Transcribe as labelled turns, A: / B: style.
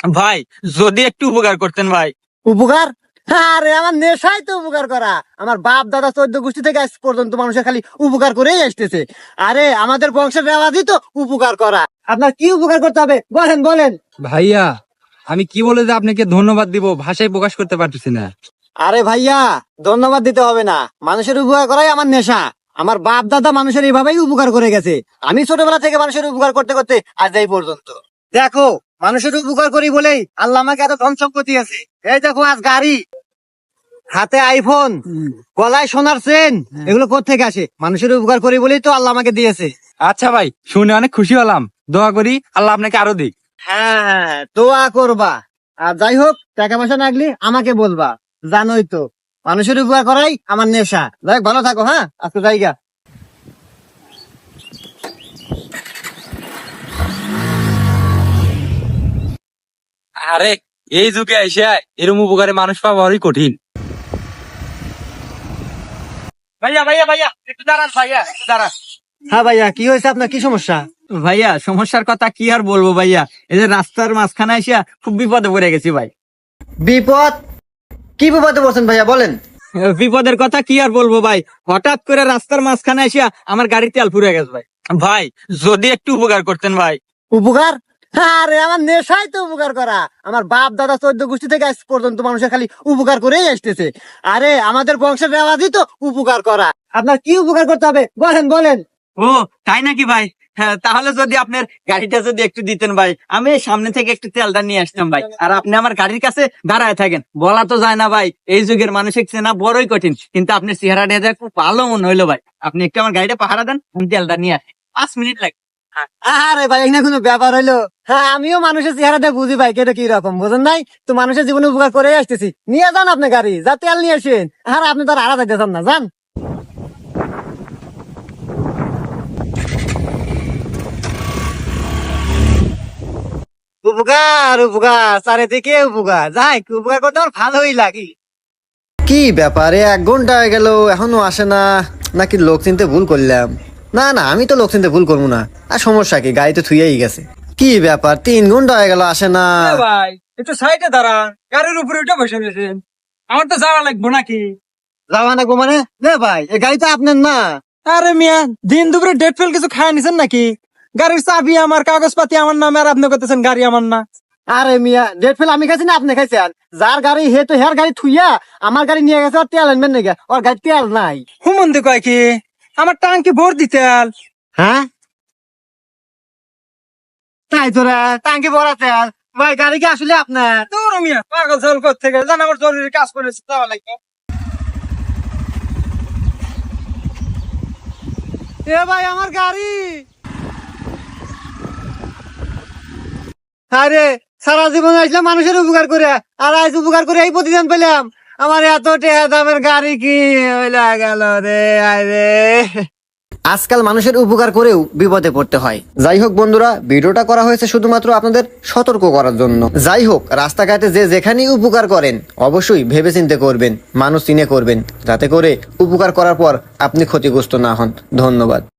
A: ভাই যদি একটু উপকার করতেন ভাই।
B: উপকার? আরে আমার নেশাই তো উপকার করা। আমার বাপ দাদা 14 গোষ্ঠী থেকে আজ পর্যন্ত মানুষের খালি উপকার করেই আসতেছে। আরে আমাদের বংশের রেওয়াজই তো উপকার করা। আপনার কি উপকার করতে হবে বলেন বলেন।
C: ভাইয়া, আমি কি বলে যে আপনাকে ধন্যবাদ দিব ভাষায় প্রকাশ করতে পারতেছি না।
B: আরে ভাইয়া, ধন্যবাদ দিতে হবে না, মানুষের উপকার করাই আমার নেশা। আমার বাপ দাদা মানুষের এইভাবেই উপকার করে গেছে। আমি ছোটবেলা থেকে মানুষের উপকার করতে করতে আজ এই পর্যন্ত। দেখো, মানুষের উপকার করি বলেই আল্লাহ আমাকে এত ধন সম্পত্তি আছে। এই দেখো, আজ গাড়ি, হাতে আইফোন, গলায় সোনার চেন, এগুলো কোত্থেকে আসে? মানুষের উপকার করি বলেই তো আল্লাহ আমাকে দিয়েছে।
C: আচ্ছা ভাই, শুনে অনেক খুশি হলাম। দোয়া করি আল্লাহ আপনাকে আরো দিক।
B: হ্যাঁ, দোয়া করবা। আর যাই হোক, টাকা পয়সা লাগলে আমাকে বলবা। জানোই তো, মানুষের উপকার করাই আমার নেশা। যাই হোক, ভালো থাকো। হ্যাঁ, আজকে জায়গা।
C: আরে এই যুগে এসে এরম উপকারে মানুষ পাওয়া বড়ই কঠিন।
A: ভাইয়া ভাইয়া ভাইয়া একটু দাঁড়ান, ভাইয়া একটু দাঁড়ান।
B: হ্যাঁ ভাইয়া, কি হয়েছে? আপনার কি সমস্যা?
A: ভাইয়া সমস্যার কথা কি আর বলবো ভাইয়া, এই যে রাস্তার মাঝখানে এসে খুব বিপদে পড়ে গেছি ভাই।
B: বিপদ? কি বিপদে পড়ছেন ভাইয়া, বলেন।
A: বিপদের কথা কি আর বলবো ভাই, হঠাৎ করে রাস্তার মাঝখানে এসে আমার গাড়ির তেল ফুরিয়ে গেছে ভাই। ভাই যদি একটু উপকার করতেন ভাই।
B: উপকার? আরে আমার নেশাই তো উপকার করা। আমার বাপ দাদা 14 গোষ্ঠী থেকে আজ পর্যন্ত মানুষের খালি উপকার করেই আসতেছে। আরে আমাদের বংশের রেওয়াজই তো উপকার করা। আপনার কি উপকার করতে হবে বলেন বলেন।
A: ও তাই নাকি ভাই? হ্যাঁ, তাহলে যদি আপনার গাড়িটা যদি একটু দিতেন ভাই, আমি এই সামনে থেকে একটু তেলটা নিয়ে আসতাম ভাই। আর আপনি আমার গাড়ির কাছে দাঁড়ায় থাকেন, বলা তো যায় না ভাই, এই যুগের মানুষের চেনা বড়ই কঠিন। কিন্তু আপনার চেহারাটা দেখে খুব ভালো মনে হইলো ভাই। আপনি একটু আমার গাড়িটা পাহারা দেন, আমি তেলটা নিয়ে আসি, 5 মিনিট লাগে।
B: আরে ভাই, এখানে কোনো ব্যাপার হইলো? হ্যাঁ, আমিও মানুষের চেহারাটা বুঝি ভাই, কেটে কি রকম বুঝেন নাই তো। মানুষের জীবনে উপকার করে আসতেছি। নিয়ে যান আপনি গাড়ি, যা তেল নিয়ে আসেন। আর আপনি তার আড়া যাইতেছেন না, যান। উপকার উপকার, চারিদিকে উপকার। যাই, উপকার করতে আমার ভালোই লাগে। কি ব্যাপারে 1 ঘন্টা হয়ে গেল এখনো আসে না? নাকি লোক চিনতে ভুল করলাম? না না, আমি তো লোক চিনতে ভুল করবো না। আর সমস্যা কি, গাড়ি তো থুয়েই গেছে। কি ব্যাপার, 3 ঘন্টা হয়ে গেল আসে না?
A: ভাই একটু সাইডে দাঁড়ান, গাড়ির উপরে উঠে বসে রয়েছেন, আমার তো যাওয়া লাগবো নাকি?
B: যাওয়া লাগবো মানে? না ভাই, এই গাড়ি তো আপনার না।
A: আরে মিয়া, দিন দুপুরে ডেট ফেল কিছু খায় নিছেন নাকি? গাড়ির চাবি আমার, কাগজপাতি আমার নামে, আর আপনি করতেছেন গাড়ি আমার না।
B: আরে মিয়া, ডেট ফেল আমি খাইছি না আপনি খাইছেন? যার গাড়ি হে তো হের গাড়ি থুইয়া আমার গাড়ি নিয়ে গেছে। ওর তেল আনবেন নাকি? ওর গাড়ি তেল নাই।
A: হুমন্দি কয় কি, আমার টাঙ্কি ভোর দিতে আল।
B: হ্যাঁ, তাই তোরা টাঙ্কি ভরা তেল? ভাই, গাড়ি কি আসলে আপনার?
A: দূর মিয়া, পাগল ছাগল করতে গেলে জান, আমার জরুরি কাজ করেছে, যাওয়া লাগবে।
B: এ ভাই, আমার গাড়ি। আরে সারা জীবন আসলাম মানুষের উপকার করে, আর আজ উপকার করে এই প্রতিদান পেলাম। আমার এত টাকা দামের গাড়ি কি হইলা গেল রে? আরে, আজকাল মানুষের উপকার করেও বিপদে পড়তে হয়। যাই হোক বন্ধুরা, ভিডিওটা করা হয়েছে শুধুমাত্র আপনাদের সতর্ক করার জন্য। যাই হোক, রাস্তাঘাটে যে যেখানেই উপকার করেন অবশ্যই ভেবেচিন্তে করবেন, মানুষ চিনে করবেন, যাতে করে উপকার করার পর আপনি ক্ষতিগ্রস্ত না হন। ধন্যবাদ।